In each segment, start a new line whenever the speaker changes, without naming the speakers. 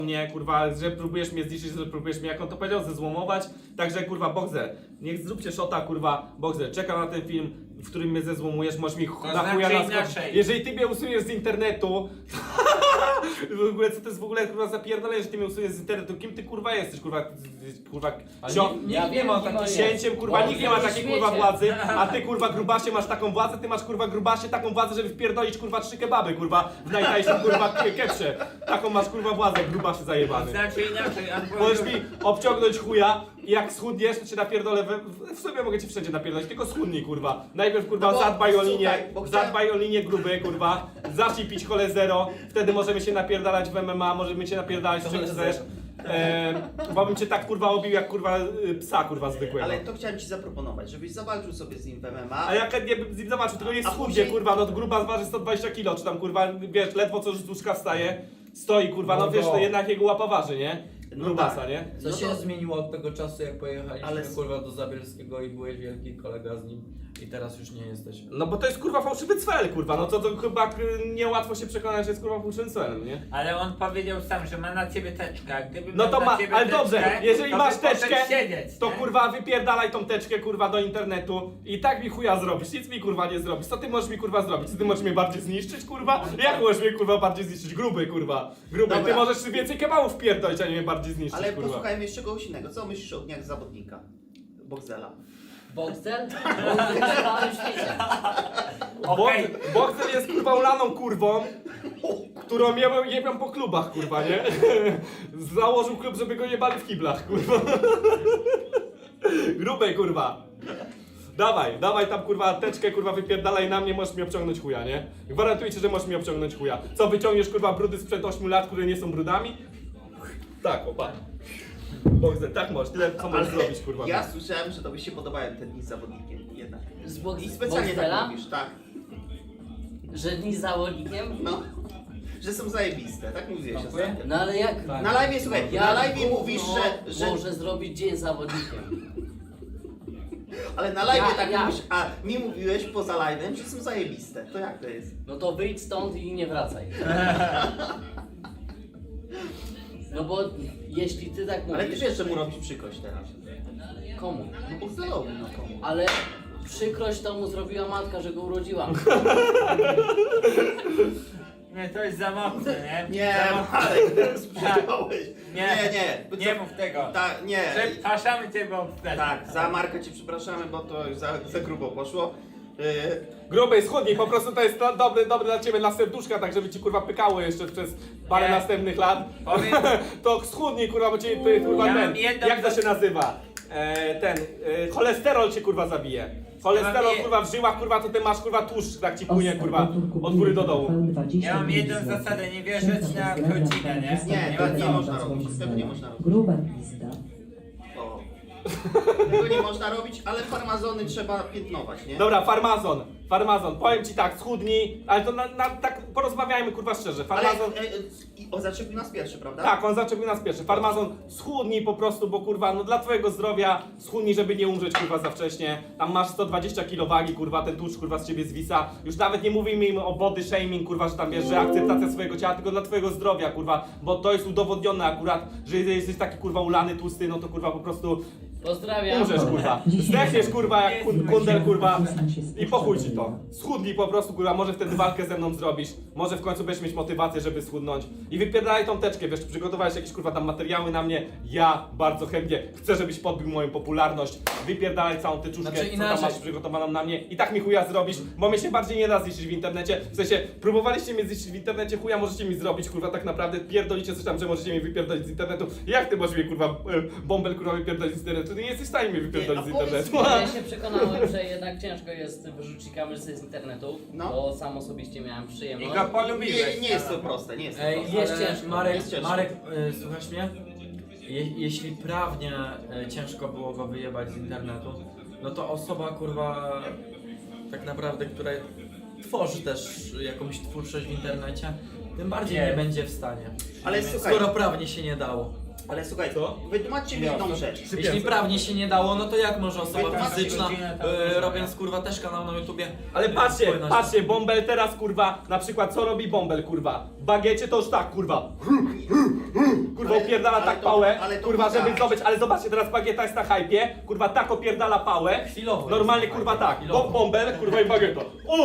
mnie, kurwa, że próbujesz mnie zniszczyć, że próbujesz mnie, jak on to powiedział, zezłomować. Także, kurwa, Boxer, niech zróbcie shota, kurwa, Boxer, czekam na ten film, w którym mnie zezłomujesz, możesz mi na chuja
inaczej.
Jeżeli ty mnie usuniesz z internetu, w ogóle, co to jest w ogóle, kurwa, zapierdolenie, że ty mnie usuniesz z internetu, kim ty, kurwa, jesteś, kurwa,
Nikt nie ma takiej
księciem, kurwa, nikt nie ma takiej, kurwa, władzy, a ty, kurwa, grubasie, masz taką władzę, ty masz, kurwa, grubasie, taką władzę, żeby wpierdolić, kurwa, 3 kebaby, kurwa, w najtańszym, kurwa, kepsie. Taką masz, kurwa, władzę, grubasie zajebany.
Znaczy inaczej,
Możesz mi obciągnąć chuja i jak schudniesz, to cię napierdolę, w sobie mogę cię wszędzie napierdolić, tylko schudnij, kurwa. Najpierw, kurwa,
No bo,
zadbaj o linię,
słuchaj, bo chciałem-
zadbaj o linię gruby, kurwa, zacznij pić kole zero, wtedy możemy się napierdalać w MMA, możemy cię napierdalać w czym chcesz. Bo bym cię tak, kurwa, obił jak, kurwa, psa, kurwa, zwykłego.
Ale to chciałem ci zaproponować, żebyś zawalczył sobie z nim w MMA.
A jak nie bym z nim zobaczył, tylko nie
A
schudnie,
później-
kurwa, no to gruba zważy 120 kg, czy tam, kurwa, wiesz, ledwo co z łóżka wstaje, stoi, kurwa, no wiesz, to jednak jego łapa waży, nie?
No
Grubasa,
tak.
nie?
Co
No
się
to-
zmieniło od tego czasu, jak pojechaliśmy
Ale-
kurwa do Zabielskiego i byłeś wielki kolega z nim i teraz już nie jesteś.
No bo to jest, kurwa, fałszywy cel, kurwa, no to chyba niełatwo się przekonać, że jest, kurwa, fałszywym celem, nie?
Ale on powiedział sam, że ma na ciebie teczkę, a gdyby
No
miał
to
na
ma,
ciebie
ale
teczkę,
dobrze, jeżeli
to
masz
by poszedł
teczkę,
siedzieć,
to
nie?
kurwa wypierdalaj tą teczkę, kurwa, do internetu i tak mi chuja zrobisz, nic mi, kurwa, nie zrobisz. Co ty możesz mi, kurwa, zrobić? Czy ty możesz mnie bardziej zniszczyć, kurwa? Jak możesz mnie, kurwa, bardziej zniszczyć? Gruby, kurwa, gruby. Ty
Dobra.
możesz więcej kebabów pierdolić, a nie mnie bardziej zniszczyć,
Ale
kurwa.
posłuchajmy jeszcze kogoś innego. Co myślisz o dniach zawodnika? Boxela.
Boxel? Boxel na całym świecie.
Okej.
Boxer jest, kurwa, ulaną kurwą, którą jebią po klubach, kurwa, nie? Założył klub, żeby go jebali w kiblach, kurwa. Grubej, kurwa. Dawaj tam, kurwa, teczkę, kurwa, wypierdalaj na mnie, możesz mi obciągnąć chuja, nie? Gwarantuję ci, że możesz mi obciągnąć chuja. Co, wyciągniesz, kurwa, brudy sprzed 8 lat, które nie są brudami? Tak, opa. Boxer, tak możesz, tyle co możesz zrobić, kurwa.
Ja słyszałem, że tobie się podobają te dni z zawodnikiem jednak.
Z
I specjalnie
Boxela?
tak mówisz, tak.
Że dni z zawodnikiem?
No. Że są zajebiste, tak mówiłeś ostatnio.
No ale jak?
Na live, słuchaj, na
Jak
live
gówno
mówisz, że...
może zrobić dzień z zawodnikiem?
Ale na live
Ja-
tak
ja.
mówisz, a mi mówiłeś poza live'em, że są zajebiste. To jak to jest?
No to wyjdź stąd i nie wracaj. No bo jeśli ty tak mówisz...
Ale ty wiesz, że mu robisz przykrość teraz.
Komu?
No Boxelowi, no komu?
Ale przykrość to mu zrobiła matka, że go urodziłam.
Nie, to jest za mocne, nie?
Nie,
Za mocne.
Marek, teraz przyjąłeś.
Nie.
Nie.
Nie mów tego.
Tak, nie.
Przepraszamy cię, bo...
Tak, za Marka ci przepraszamy, bo to już za grubo poszło.
Grubej, schudnij, po prostu to jest dobry dla ciebie dla serduszka, tak żeby ci, kurwa, pykało jeszcze przez parę
Nie.
następnych lat.
Powiem-
To schudnij, kurwa, bo cię, kurwa,
Ja mam
ten,
jedną-
jak to się nazywa? Cholesterol cię, kurwa, zabije. Cholesterol,
Ja mam
kurwa, w żyłach, kurwa, to ty masz, kurwa, tłuszcz, tak ci płynie, kurwa, od góry do dołu.
Ja mam jedną zasadę, nie wierzyć na godzinę, nie?
Nie można robić, tego nie można robić.
Gruba pizda.
O. Tego nie można robić, ale farmazony trzeba piętnować, nie?
Dobra, farmazon, powiem ci tak, schudnij, ale to tak porozmawiajmy, kurwa, szczerze.
Ale
Farmazon,
zaczepił nas pierwszy, prawda?
tak, on zaczepił nas pierwszy. Farmazon, schudnij po prostu, bo kurwa, no dla twojego zdrowia, schudnij, żeby nie umrzeć, kurwa, za wcześnie. Tam masz 120 kg wagi, kurwa, ten tłuszcz, kurwa, z ciebie zwisa. Już nawet nie mówimy im o body shaming, kurwa, że tam wiesz, że akceptacja swojego ciała, tylko dla twojego zdrowia, kurwa, bo to jest udowodnione akurat, że jeżeli jesteś taki, kurwa, ulany, tłusty, no to, kurwa, po prostu
Pozdrawiam.
umrzesz, kurwa. Zdechniesz, kurwa, jak kundel, kurwa, i po chuj ci to. Schudnij po prostu, kurwa, może wtedy walkę ze mną zrobisz, może w końcu będziesz mieć motywację, żeby schudnąć. I wypierdalaj tą teczkę, wiesz, przygotowałeś jakieś, kurwa, tam materiały na mnie, ja bardzo chętnie chcę, żebyś podbił moją popularność, wypierdalaj całą tyczuszkę,
Znaczy
co
inaczej.
tam masz przygotowaną na mnie i tak mi chuja zrobisz, bo mnie się bardziej nie da zniszczyć w internecie, w sensie, próbowaliście mnie zniszczyć w internecie, chuja możecie mi zrobić, kurwa, tak naprawdę pierdolicie coś tam, że możecie mnie wypierdolić z internetu. Jak ty możesz mnie, kurwa, bąbel, kurwa, wypierdolić z internetu? Ty nie jesteś w stanie mnie wypierdolić z
Nie, no powiedz
internetu.
Ja się przekonałem, że jednak ciężko jest wyrzucić kamerzę z internetu,
No.
bo sam osobiście miałem
I
przyjemność.
go polubiłeś.
Nie jest to proste, nie jest to
Ej,
proste.
jest
ale
ciężko,
Marek,
jest ciężko.
Marek, słuchasz mnie? Jeśli prawnie ciężko było go wyjebać z internetu, no to osoba, kurwa, tak naprawdę, która tworzy też jakąś twórczość w internecie, tym bardziej
Nie.
nie będzie w stanie.
Ale słuchaj,
Skoro prawnie się nie dało.
Ale słuchaj,
Co?
wytłumaczcie mi jedną rzecz.
Jeśli prawnie się nie dało, no to jak może osoba
Wytłumaczcie
fizyczna,
godzinę tam
robiąc kurwa też kanał na YouTubie...
Ale patrzcie,
spojrzeć?
patrzcie, Bąbel teraz kurwa, na przykład co robi Bąbel kurwa? W bagiecie to już tak kurwa. Kurwa
Ale-
opierdala
ale
tak
to-
pałę,
ale to
kurwa żeby
widać.
zdobyć, ale zobaczcie teraz bagieta jest na hajpie, kurwa tak opierdala pałę.
Chwilowo
Normalnie
jest
kurwa
na hypie,
tak,
chwilowo.
Bąbel, kurwa i bagieta.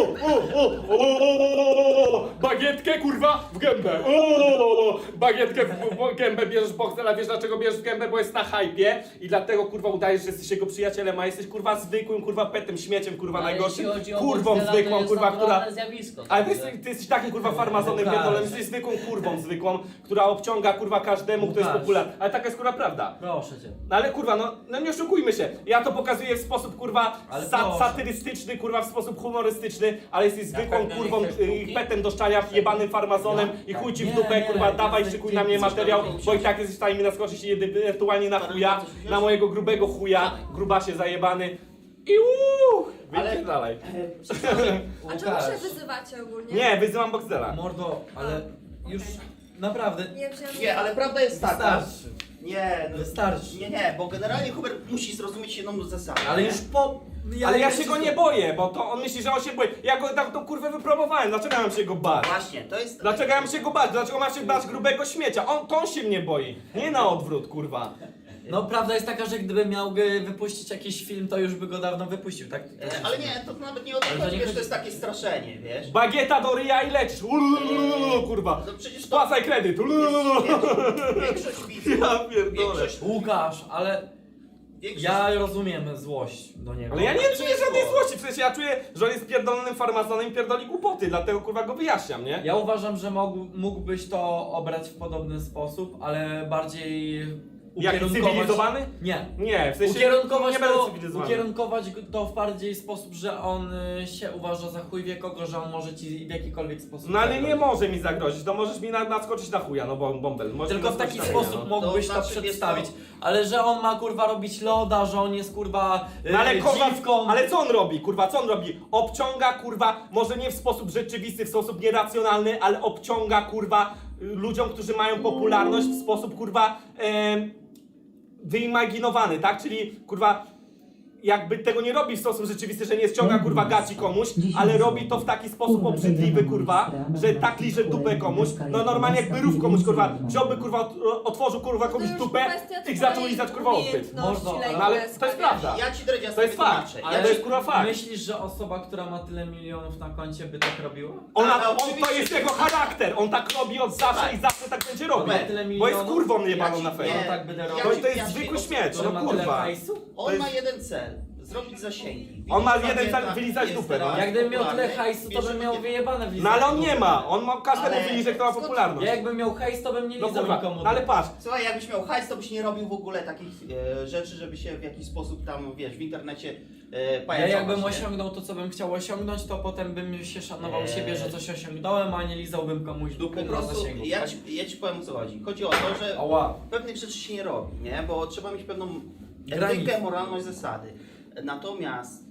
Bagietkę kurwa w gębę. Bagietkę w gębę bierzesz Boxdela, wiesz dlaczego bierzesz w gębę, bo jest na hajpie i dlatego kurwa udajesz, że jesteś jego przyjacielem, a jesteś kurwa zwykłym kurwa petem, śmieciem kurwa
Ale
najgorszym,
jeśli chodzi o
kurwą
Boxdela, to
zwykłą
jest
kurwa, która...
naturalne zjawisko.
Ale ty
także-
jesteś takim kurwa farmazonem
Łukasz.
pierdolem, jesteś zwykłą kurwą zwykłą, która obciąga kurwa każdemu, kto jest
Łukasz.
popularny. Ale taka jest kurwa prawda.
Proszę cię.
No ale kurwa, no nie oszukujmy się. Ja to pokazuję w sposób kurwa
Ale proszę.
satyrystyczny, kurwa w sposób humorystyczny, ale jesteś zwykłą
pewno nie
kurwą,
chcesz bułki?
petem do szczania, jebanym farmazonem i chuj ci w
Nie,
dupę,
nie,
kurwa,
nie,
dawaj,
nie,
szykuj
nie,
na mnie
nie,
materiał,
nie, nie,
bo i tak jesteś w stanie mi naskoczyć ewentualnie na chuja, na mojego grubego chuja, grubasie zajebany. I
Ale-
wypierdalaj.
A czemu się wyzywacie ogólnie?
Nie, wyzywam Boxdela.
Mordo, ale już naprawdę
Nie wziąłem.
Nie, ale prawda jest taka.
wystarczy.
Nie, no,
Wystarczy.
nie, bo generalnie Hubert musi zrozumieć jedną zasadę.
Ale
nie?
już po...
Ale ja się go nie boję, bo to on myśli, że on się boi. Ja go tak tą kurwę wypromowałem, dlaczego ja mam się go bać?
Właśnie, to jest...
Dlaczego ja mam się go bać? Dlaczego mam się bać grubego śmiecia? On się mnie boi, nie na odwrót, kurwa.
No prawda jest taka, że gdyby miał wypuścić jakiś film, to już by go dawno wypuścił, tak?
Ale nie, to nawet nie o to
Ale to
chodzi,
nie
wiesz,
chodzi-
to jest takie straszenie, wiesz?
Bagieta do ryja i lecisz. Kurwa.
No przecież to...
Spłacaj kredyt.
Większość widzów...
Ja pierdolę.
Większość...
Łukasz, ale
większość
ja rozumiem złość do niego.
Ale ja nie
to nie
czuję
jest
żadnej
zło.
złości, przecież ja czuję, że on jest pierdolonym farmazonem i pierdoli głupoty, dlatego kurwa go wyjaśniam, nie?
Ja uważam, że mógłbyś to obrać w podobny sposób, ale bardziej
Jak cywilizowany?
Nie.
Nie, w sensie
Ukierunkować
nie będę
to,
cywilizowany.
ukierunkować to w bardziej sposób, że on się uważa za chuj wie kogo, że on może ci w jakikolwiek sposób
No ale nie
zagrozić.
może mi zagrozić, to możesz mi naskoczyć na chuja, no bo Bąbel. możesz
Tylko
mi
w taki
naskoczyć na chuja,
sposób
no.
mógłbyś
To
to,
znaczy,
przedstawić.
jest
Ale że on ma kurwa robić loda, że on jest kurwa
No ale kurwa,
dziwką.
ale co on robi, kurwa, co on robi? Obciąga, kurwa, może nie w sposób rzeczywisty, w sposób nieracjonalny, ale obciąga, kurwa, ludziom, którzy mają popularność w sposób, kurwa, wyimaginowany, tak? Czyli, kurwa, jakby tego nie robi w sposób rzeczywisty, że nie ściąga, kurwa, gaci komuś, ale robi to w taki sposób obrzydliwy, kurwa, że tak liże dupę komuś, no normalnie jakby rów komuś, kurwa, wziąłby, kurwa, otworzył, kurwa, komuś dupę i zaczął lizać, kurwa, odbyt.
Można,
No ale to jest prawda.
Ja ci Dredzia
To jest fakt.
wytłumaczę.
Ale
Ja
to
ci...
jest kurwa fakt.
Myślisz, że osoba, która ma tyle milionów na koncie by tak robiła?
On to
oczywiście.
jest jego charakter, on tak robi od zawsze i zawsze tak będzie robił.
Dobra,
tyle
Bo jest
milionów?
kurwą jebaną
Ja
na
ci-
fejmie.
No
nie.
tak będę
Ja
robił.
To,
ci-
to jest
ja ci
zwykły
od-
śmieć,
Że
no
ma tyle
kurwa.
hajsu?
On
jest-
ma jeden cel. Zrobić zasięgi.
On ma
Widzisz,
jeden cel,
Bagieta
wylizać
jest
dupę, no.
teraz
Jak gdybym miał tyle
popularny,
hajsu, to
wiesz,
bym
że
miał
będzie-
wyjebane w
No ale on nie ma, on ma każdemu
Ale-
wyliże, kto ma
skąd-
popularność.
Ja jakbym miał hajs, to bym nie
No
lizał
kurwa,
nikomu.
no ale patrz,
Słuchaj, jakbyś miał hajs, to byś nie robił w ogóle takich rzeczy, żeby się w jakiś sposób tam, wiesz, w internecie
Ja
pajacować,
jakbym
nie?
osiągnął to, co bym chciał osiągnąć, to potem bym się szanował siebie, że coś osiągnąłem, a nie lizałbym komuś
Po
dupy na
prostu,
zasięgu.
ja ci powiem o co chodzi. Chodzi o to, że
Ała.
pewnych rzeczy się nie robi, nie? Bo trzeba mieć pewną
Granicę.
etykę, moralność, zasady. Natomiast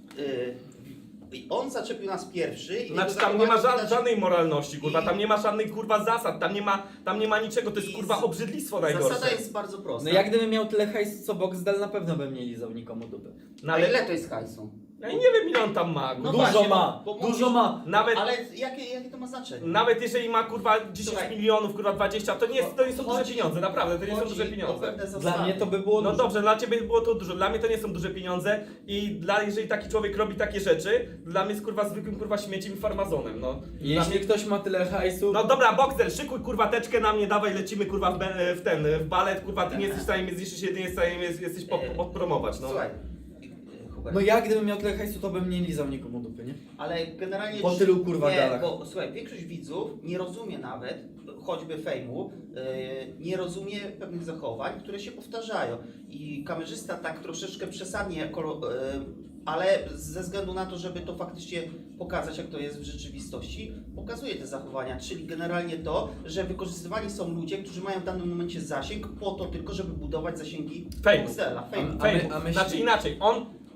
on zaczepił nas pierwszy i
znaczy
jego
tam nie ma
zachowanie widać-
żadnej moralności, kurwa,
I-
tam nie ma żadnych kurwa zasad, tam nie ma niczego, to jest
I
kurwa
z-
obrzydlistwo
Zasada
najgorsze.
jest bardzo prosta.
No jak gdybym miał tyle hajsu co Boxdel, na pewno bym nie lizał nikomu dupy.
No
Ale
ale
ile to jest hajsu?
ja nie wiem ile on tam ma,
No
Dużo
właśnie,
ma,
bo
dużo
mówisz-
ma.
nawet,
Ale jakie to ma znaczenie?
nawet jeżeli ma kurwa 10
Słuchaj.
milionów, kurwa 20, to nie są duże
Chodzi-
pieniądze, naprawdę, to nie są
chodzi
duże
o
pieniądze.
pewne zasady.
Dla mnie to by było
No
dużo.
dobrze, dla ciebie było to dużo, dla mnie to nie są duże pieniądze i jeżeli taki człowiek robi takie rzeczy, dla mnie jest kurwa zwykłym kurwa śmieciem i farmazonem, no. Dla
Jeśli
mnie...
ktoś ma tyle hajsu,
No dobra, Boxer, szykuj kurwa teczkę na mnie, dawaj lecimy kurwa w balet, kurwa ty nie jesteś w stanie mnie zniszczyć, jedynie jesteś w stanie mnie jesteś podpromować, no.
Słuchaj, Hubert,
no ja gdybym miał tyle hajsu, to bym nie lizał nikomu dupy, nie?
ale generalnie...
Po tylu, kurwa,
nie,
galach.
bo słuchaj, większość widzów nie rozumie nawet, choćby fejmu, nie rozumie pewnych zachowań, które się powtarzają. I kamerzysta tak troszeczkę przesadnie, ale ze względu na to, żeby to faktycznie pokazać, jak to jest w rzeczywistości, pokazuje te zachowania, czyli generalnie to, że wykorzystywani są ludzie, którzy mają w danym momencie zasięg po to tylko, żeby budować zasięgi
Fejmu.
Boxdela, fejmu.
A my-
Fejmu.
a myśli-
Znaczy inaczej, on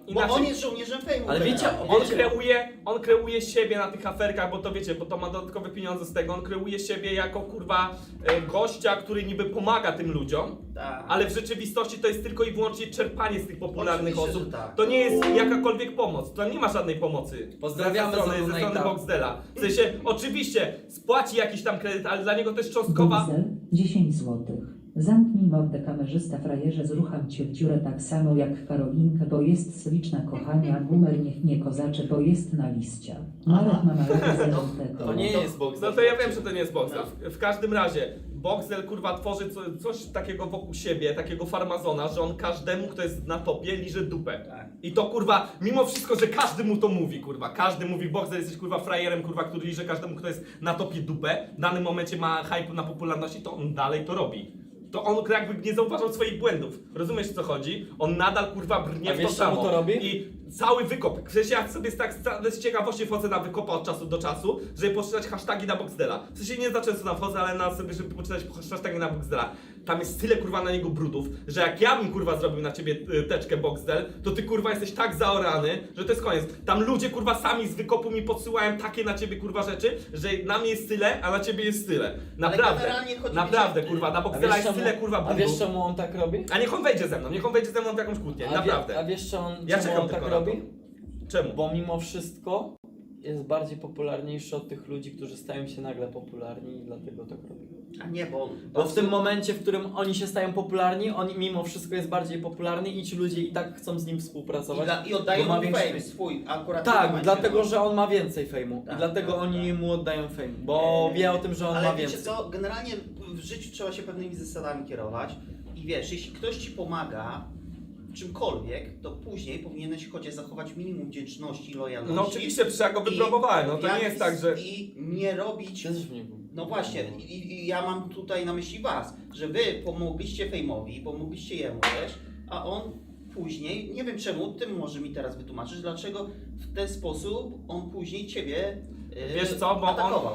inaczej.
on jest żołnierzem fejmu.
Ale wiecie,
generalnie.
On kreuje siebie na tych aferkach, bo to wiecie, bo to ma dodatkowe pieniądze z tego. On kreuje siebie jako kurwa gościa, który niby pomaga tym ludziom,
Tak.
ale w rzeczywistości to jest tylko i wyłącznie czerpanie z tych popularnych
Oczywiście,
osób.
że tak.
To nie jest jakakolwiek pomoc, to nie ma żadnej pomocy.
Pozdrawiamy
ze
za
strony
donate'a.
Boxdela. W sensie, oczywiście spłaci jakiś tam kredyt, ale dla niego to jest cząstkowa.
Boxel 10 złotych. Zamknij mordę, kamerzysta frajerze, zrucham cię w dziurę tak samo jak Karolinkę, bo jest sliczna kochania, boomer niech nie kozacze, bo jest na liścia. Marek ma małego zerowego.
To nie jest Boxel.
No to ja wiem, że to nie jest Boxel. W każdym razie, Boxel kurwa tworzy coś takiego wokół siebie, takiego farmazona, że on każdemu, kto jest na topie, liże dupę.
Tak.
I to kurwa, mimo wszystko, że każdy mu to mówi, kurwa. Każdy mówi, Boxel jesteś kurwa frajerem, kurwa, który liże każdemu, kto jest na topie dupę. W danym momencie ma hype na popularności, to on dalej to robi. To on jakby nie zauważał swoich błędów. Rozumiesz, co chodzi? On nadal kurwa brnie
A
w to
wiesz, czemu
samo.
to robi?
I cały wykop. W sensie ja sobie z ciekawości wchodzę na wykopa od czasu do czasu, żeby poczytać hasztagi na Boxdela. W sensie nie za często tam wchodzę, ale na sobie, żeby poczytać hasztagi na Boxdela. Tam jest tyle kurwa na niego brudów, że jak ja bym kurwa zrobił na ciebie teczkę Boxdel, to ty kurwa jesteś tak zaorany, że to jest koniec. Tam ludzie kurwa sami z wykopu mi podsyłają takie na ciebie kurwa rzeczy, że na mnie jest tyle, a na ciebie jest tyle. Naprawdę.
generalnie chodzi mi,
Naprawdę
że-
kurwa, na
A
Boxdela
wiesz,
jest tyle kurwa
a
brudów.
wiesz czemu on tak robi?
A niech on wejdzie ze mną, w jakąś kłótnię, naprawdę.
A wiesz czemu
Ja
czemu
czekam
on tak
tylko na to.
robi?
Czemu?
Bo mimo wszystko jest bardziej popularniejszy od tych ludzi, którzy stają się nagle popularni i dlatego tak robi.
A nie, bo...
Bo w tym momencie, w którym oni się stają popularni, on mimo wszystko jest bardziej popularny i ci ludzie i tak chcą z nim współpracować.
I oddają
bo ma
mu
większy
fame swój, akurat w tym
Tak,
momencie,
dlatego,
no.
że on ma więcej fejmu.
Tak,
I dlatego
tak,
oni
tak.
mu oddają fame, bo wie o tym, że on
Ale
ma
wiecie
więcej.
co, generalnie w życiu trzeba się pewnymi zasadami kierować i wiesz, jeśli ktoś ci pomaga w czymkolwiek, to później powinieneś chociaż zachować minimum wdzięczności i lojalności.
No oczywiście, przecież ja go
I
wypromowałem, no to nie
jak-
jest tak, że...
I nie robić...
Ty też w niego.
No właśnie, i ja mam tutaj na myśli was, że wy pomogliście Fejmowi, pomogliście jemu też, a on później, nie wiem czemu, ty może mi teraz wytłumaczysz, dlaczego w ten sposób on później ciebie
Wiesz co, bo
atakował.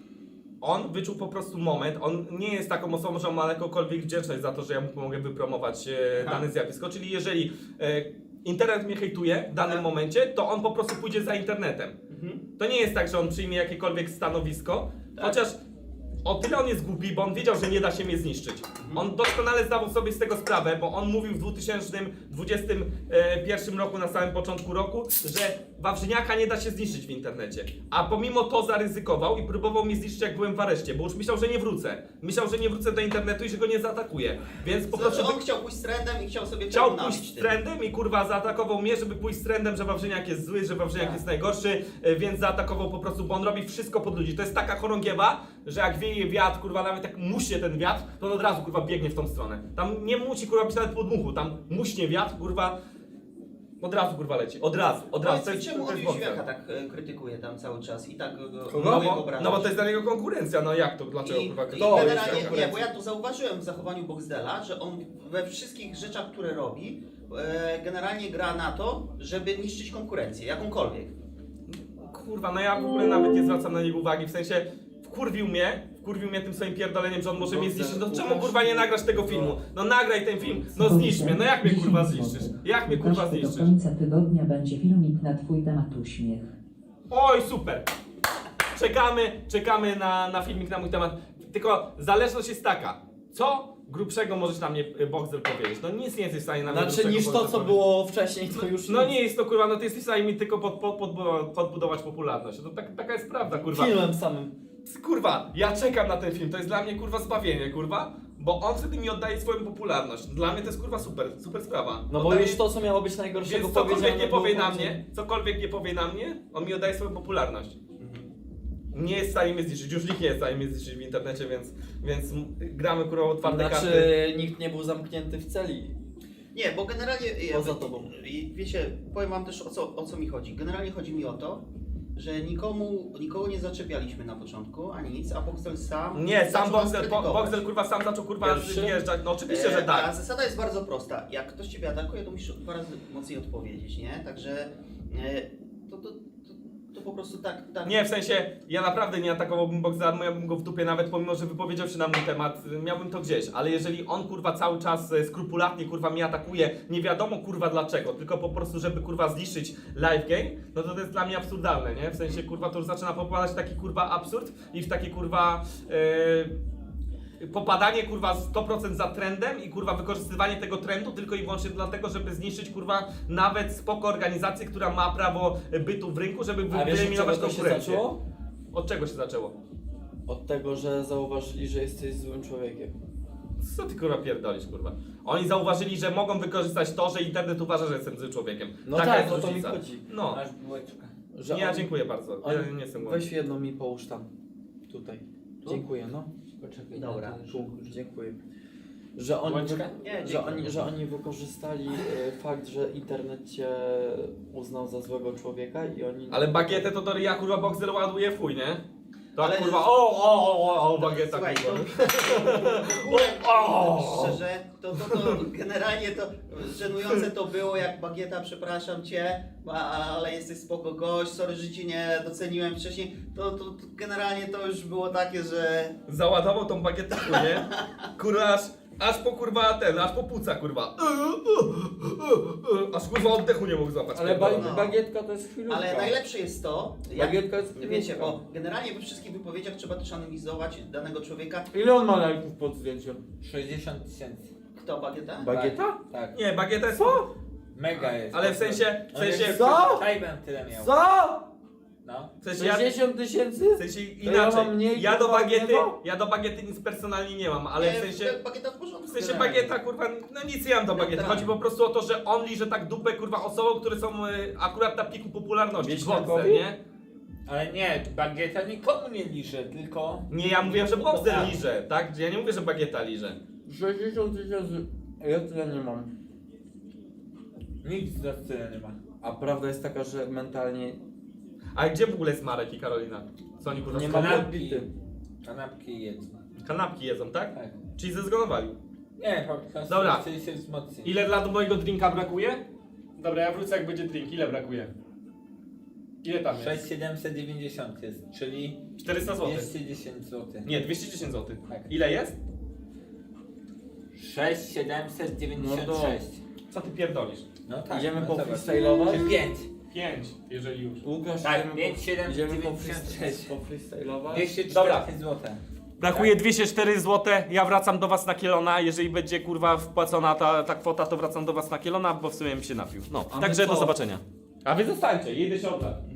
On wyczuł po prostu moment, on nie jest taką osobą, że on ma jakąkolwiek wdzięczność za to, że ja mu pomogę wypromować dane zjawisko, czyli jeżeli internet mnie hejtuje w danym
Tak.
momencie, to on po prostu pójdzie za internetem.
Mhm.
To nie jest tak, że on przyjmie jakiekolwiek stanowisko,
Tak.
chociaż o tyle on jest głupi, bo on wiedział, że nie da się mnie zniszczyć. On doskonale zdawał sobie z tego sprawę, bo on mówił w 2021 roku, na samym początku roku, że Wawrzyniaka nie da się zniszczyć w internecie. A pomimo to zaryzykował i próbował mnie zniszczyć, jak byłem w areszcie, bo już myślał, że nie wrócę. Myślał, że nie wrócę do internetu i że go nie zaatakuje. Więc po prostu...
Znaczy on chciał pójść z trendem i chciał sobie
Chciał
tego
pójść
nabić
z
tym.
trendem i kurwa zaatakował mnie, żeby pójść z trendem, że Wawrzyniak jest zły, że Wawrzyniak
Tak.
jest najgorszy, więc zaatakował po prostu, bo on robi wszystko pod ludzi. To jest taka chorągiewa, że jak wieje wiatr, kurwa, nawet jak muśnie ten wiatr, to on od razu kurwa biegnie w tą stronę. Tam nie musi kurwa być nawet podmuchu, tam muśnie wiatr, kurwa, od razu kurwa leci, od razu.
Powiedz mi, czemu on
Boxer.
Jóźwiaka tak krytykuje tam cały czas i tak go
No
próbuje
bo,
obrażać?
no bo to jest dla niego konkurencja, no jak to, dlaczego
I,
kurwa
i
kto jest
generalnie,
konkurencja?
nie, bo ja to zauważyłem w zachowaniu Boxdela, że on we wszystkich rzeczach, które robi, generalnie gra na to, żeby niszczyć konkurencję, jakąkolwiek.
Kurwa, no ja w ogóle nawet nie zwracam na niego uwagi, w sensie wkurwił mnie tym swoim pierdoleniem, że on może mnie zniszczyć. No czemu kurwa nie nagrasz tego filmu? No nagraj ten film, no zniszcz mnie, no jak mnie kurwa zniszczysz? Jak mnie kurwa
Do
zniszczysz?
końca tygodnia będzie filmik na twój temat uśmiech.
Oj, super! Czekamy na filmik na mój temat. Tylko zależność jest taka, co grubszego możesz na mnie Boxdel powiedzieć? No nic nie jesteś w stanie na mnie
Znaczy
grubszego,
niż to,
Boxdel
co
powiedzieć.
było wcześniej, to już
No
nic.
nie jest to kurwa, no ty jesteś w stanie mi tylko podbudować popularność. To taka jest prawda, kurwa.
Filmem samym.
Kurwa, ja czekam na ten film, to jest dla mnie kurwa zbawienie, kurwa, bo on wtedy mi oddaje swoją popularność. Dla mnie to jest kurwa super sprawa.
No bo
Oddaje,
już to, co miało być najgorszego
więc cokolwiek nie
było
powie na
bardziej-
mnie, on mi oddaje swoją popularność. Nie jest w stanie mnie zniszczyć, już nikt nie jest w stanie mnie zniszczyć w internecie, więc gramy kurwa otwarte
Znaczy
karty.
nikt nie był zamknięty w celi.
Nie, bo generalnie,
Poza tobą.
wiecie, powiem wam też o co mi chodzi. Generalnie chodzi mi o to, że nikogo nie zaczepialiśmy na początku, ani nic, a Boxdel sam
Nie, sam
zaczął nas
Boxdel,
krytykować.
Boxdel kurwa sam zaczął kurwa
Pierwszy?
zjeżdżać, no oczywiście, że
A
tak.
zasada jest bardzo prosta. Jak ktoś ciebie atakuje, to musisz 2 razy mocniej odpowiedzieć, nie? Także to po prostu tak...
Nie, w sensie, ja naprawdę nie atakowałbym Boxdela, miałbym go w dupie nawet, pomimo że wypowiedział się na mój temat, miałbym to gdzieś, ale jeżeli on kurwa cały czas skrupulatnie kurwa mnie atakuje, nie wiadomo kurwa dlaczego, tylko po prostu żeby kurwa zniszczyć live game, no to jest dla mnie absurdalne, nie? W sensie kurwa to już zaczyna popadać w taki kurwa absurd i w takie kurwa popadanie kurwa 100% za trendem i kurwa wykorzystywanie tego trendu tylko i wyłącznie dlatego, żeby zniszczyć kurwa nawet spoko organizację, która ma prawo bytu w rynku, żeby
A wiesz, od
wyeliminować
czego to się
konkurencję.
zaczęło?
Od czego się zaczęło?
Od tego, że zauważyli, że jesteś złym człowiekiem.
Co ty kurwa pierdolisz kurwa? Oni zauważyli, że mogą wykorzystać to, że internet uważa, że jestem złym człowiekiem.
No
Taka
tak,
jest
o to mi
różnica.
chodzi.
No,
Masz bułeczkę.
Że
ja
on-
dziękuję bardzo.
on-
Ja nie jestem głodny.
Weź jedną mi połóż tam. Tutaj. Dziękuję, no.
Poczekaj.
Dobra.
na to,
Tu,
że-
dziękuję. Że oni,
Bułeczkę?
Nie,
że oni wykorzystali fakt, że internet cię uznał za złego człowieka i oni...
Ale bagietę to do ryja kurwa Boxer ładuje w chuj, nie? To
Ale-
kurwa o bagieta
Słuchaj,
kurwa.
Szczerze, to generalnie to żenujące to było, jak Bagieta, przepraszam cię, ale jesteś spoko gość, sorry, że cię nie doceniłem wcześniej. To generalnie to już było takie, że...
Załadował tą bagietę w chuj, nie? Kurwa aż po kurwa aż po płuca kurwa. Aż kurwa oddechu nie mógł złapać.
Ale
pierdolony.
bagietka to jest chwilówka.
Ale najlepsze jest to, jak,
Bagietka jest
wiecie,
chwilówka.
bo generalnie we wszystkich wypowiedziach trzeba też analizować danego człowieka.
Ile on ma lajków pod zdjęciem?
60 000.
Kto Bagieta?
Bagieta?
Tak.
Nie, bagieta jest...
Mega jest.
Ale w sensie...
Co?
Tajbem tyle miał.
Co?
No.
W sensie ja...
60 tysięcy?
W sensie
To ja
inaczej,
mam mniej,
ja do
kurwa,
bagiety,
niego?
ja do bagiety nic personalnie nie mam, ale w sensie,
Bagieta w porządku.
w sensie
generalnie.
bagieta kurwa, no nic nie mam do bagiety, chodzi po prostu o to, że on liże tak dupę kurwa osobom, które są akurat na piku popularności, w Boxer,
Wieśniakowi?
nie?
Ale nie, bagieta nikomu nie liże, tylko...
Nie, ja mówię, że Boxer liże, tak? Ja nie mówię, że bagieta liże.
60 tysięcy. Ja tyle nie mam.
Nikt z nas tyle nie ma.
A prawda jest taka, że mentalnie
A gdzie w ogóle jest Marek i Karolina? Co oni kurwa
nie
z
mam
kanapki.
odbity.
Kanapki jedzą.
kanapki jedzą, tak?
Tak.
Czyli zezgonowali.
Nie, po prostu
Dobra.
chce się wzmocnić.
Ile dla mojego drinka brakuje? Dobra, ja wrócę jak będzie drink, ile brakuje? Ile tam jest?
6790 jest, czyli
400 zł.
210 zł.
Nie, 210 zł.
Tak.
Ile jest?
6796.
Co ty pierdolisz?
No tak.
Idziemy
no
po
zobacz.
freestylować?
Czy 5?
5, jeżeli już.
Łukasz,
Tak,
idziemy
5, 7,
idziemy po
96.
freestylować?
204
Dobra.
zł.
Brakuje 204 zł, ja wracam do was na kielona, jeżeli będzie kurwa wpłacona ta kwota, to wracam do was na kielona, bo w sumie mi się napił. No,
A my
także do
co?
zobaczenia. A wy zostańcie, jedę się oddać.